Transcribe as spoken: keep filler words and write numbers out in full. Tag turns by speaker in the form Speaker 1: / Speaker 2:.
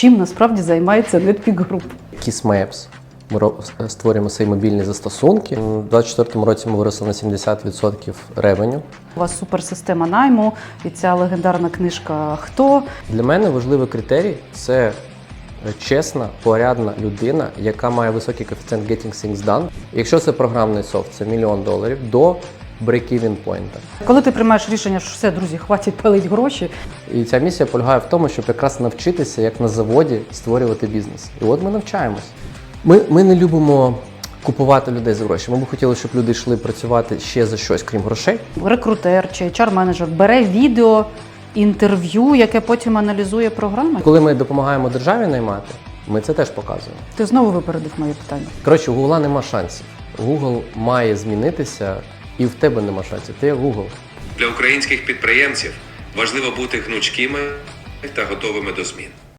Speaker 1: чим насправді займається NetPeak Group.
Speaker 2: Kiss Maps. Ми ро- створюємо свої мобільні застосунки. У двадцять четвертому році ми виросли на сімдесят відсотків ревеню.
Speaker 1: У вас суперсистема найму і ця легендарна книжка «Хто?».
Speaker 2: Для мене важливий критерій – це чесна, порядна людина, яка має високий коефіцієнт Getting Things Done. Якщо це програмний софт, це мільйон доларів до break-even point.
Speaker 1: Коли ти приймаєш рішення, що все, друзі, хватить палити гроші.
Speaker 2: І ця місія полягає в тому, щоб якраз навчитися, як на заводі, створювати бізнес. І от ми навчаємось. Ми, ми не любимо купувати людей за гроші. Ми б хотіли, щоб люди йшли працювати ще за щось, крім грошей.
Speaker 1: Рекрутер чи ейч ар-менеджер бере відео, інтерв'ю, яке потім аналізує програма.
Speaker 2: Коли ми допомагаємо державі наймати, ми це теж показуємо.
Speaker 1: Ти знову випередив моє питання.
Speaker 2: Коротше, у Гугла нема шансів. Google має змінитися, і в тебе нема шансів. Ти як Google.
Speaker 3: Для українських підприємців важливо бути гнучкими та готовими до змін.